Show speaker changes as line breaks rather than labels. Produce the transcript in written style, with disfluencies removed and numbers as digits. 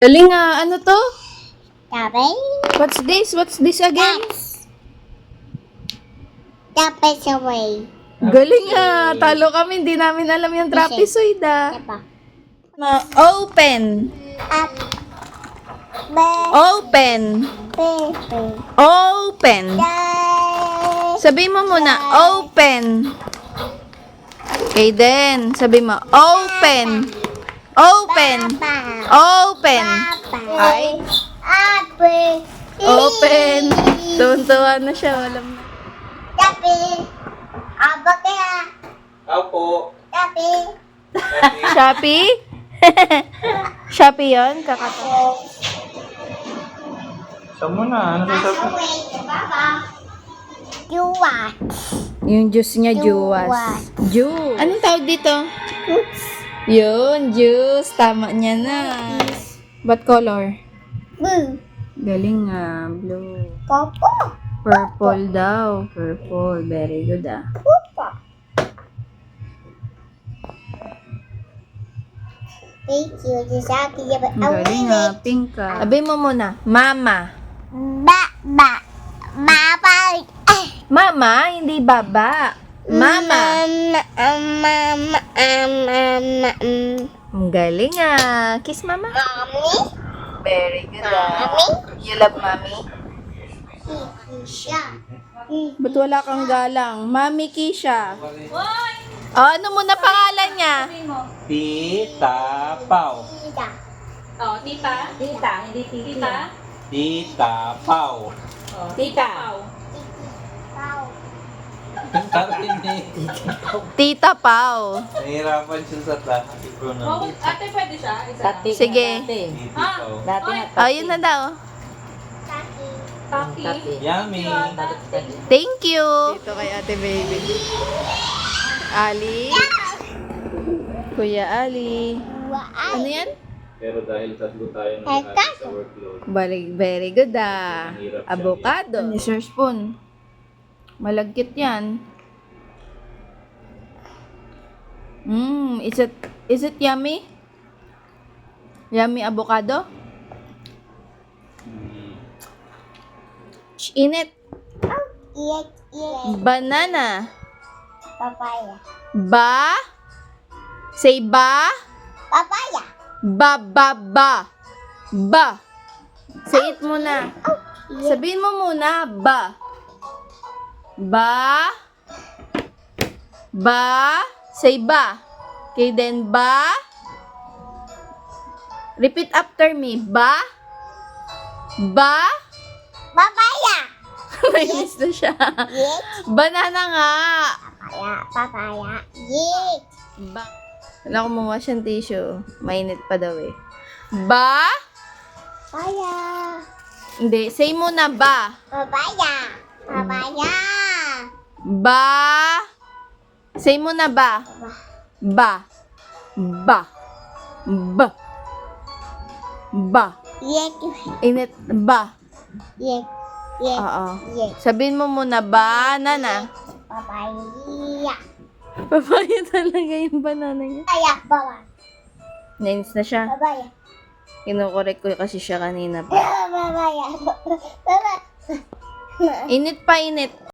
Galing nga, ano to?
Tapos,
What's this? What's this again?
tapos away.
Galing nga, talo kami, hindi namin alam yung trapezoid ah.
Diba?
Open.
Up. Be.
Open.
Pepe.
Open.
Dai.
Sabi mo muna, open. Okay then, sabi mo, open. Open.
Papa.
Open.
Papa.
Ay.
Apple.
Open. Tuwan-tuwa na siya, walang na.
Tapi. Apa kaya?
Opo.
Tapi.
Shopee? Shopee yun? Kakatawa.
Saan mo na? Ano
Tapos
sasabi?
away. Papa. You what?
Yung juice niya,
Juwas.
juwas. Juice. Anong tawag dito? Yun, juice. Tama niya na. What color?
Blue.
Galing nga. Blue.
Papa.
Purple daw. Purple. Very good ah.
Papa. Thank you. Sasabi niya ba?
Galing ah. Pink ka. Sabi mo muna. Mama.
Ba. Mama.
Mama, hindi baba. Mama.
Mama.
Ang galing ah. Kiss mama.
Mommy.
Very good ah.
Mommy.
You love mommy?
Siya.
Ba't wala kang galang? Mami Kisha. Oh, ano muna pangalan niya?
Tita Pau.
Tita.
Oh, tita. Tita, hindi tita.
Tita Pau.
Oh, tita.
Pau.
Karinig.
Tita Pau.
Nahihirapan siya sa
Oh,
pronoun.
ate pwede siya? Isa.
Sige.
Tita Pau.
Dati
Ayun na daw.
Taki.
Taki.
Yummy.
Thank you. Dito kay Ate Baby. Ali. Kuya Ali. Ano yan?
Pero dahil tatlo tayo ng
Eka.
sa workload,
Very good ah. Avocado. Ni Sir Spoon. Malagkit yan. Is it yummy? Yummy avocado? Init.
Iyak.
Banana.
Papaya.
Ba? Say ba?
Papaya.
Ba. Say it muna. Sabihin mo muna, ba. Ba. Say ba. Okay, then ba. Repeat after me. Ba.
Papaya.
Mainis na siya.
Iyak.
Banana nga.
Papaya. Iyak.
Ba. Wala ko mawa siyang tissue. Mainit pa daw eh. Ba?
Papaya.
Hindi. Say muna ba.
Papaya. Papaya.
Ba. Say muna ba. Ba.
Iyak.
Init. Ba.
Iyak. Iyak.
Oo.
Iyak.
Sabihin mo muna banana.
Papaya.
Papaya talaga yung banana niya.
Papaya. Baba.
Nainis na siya.
Papaya.
Kinukorek ko kasi siya kanina pa.
Papaya. Papaya.
Init pa init.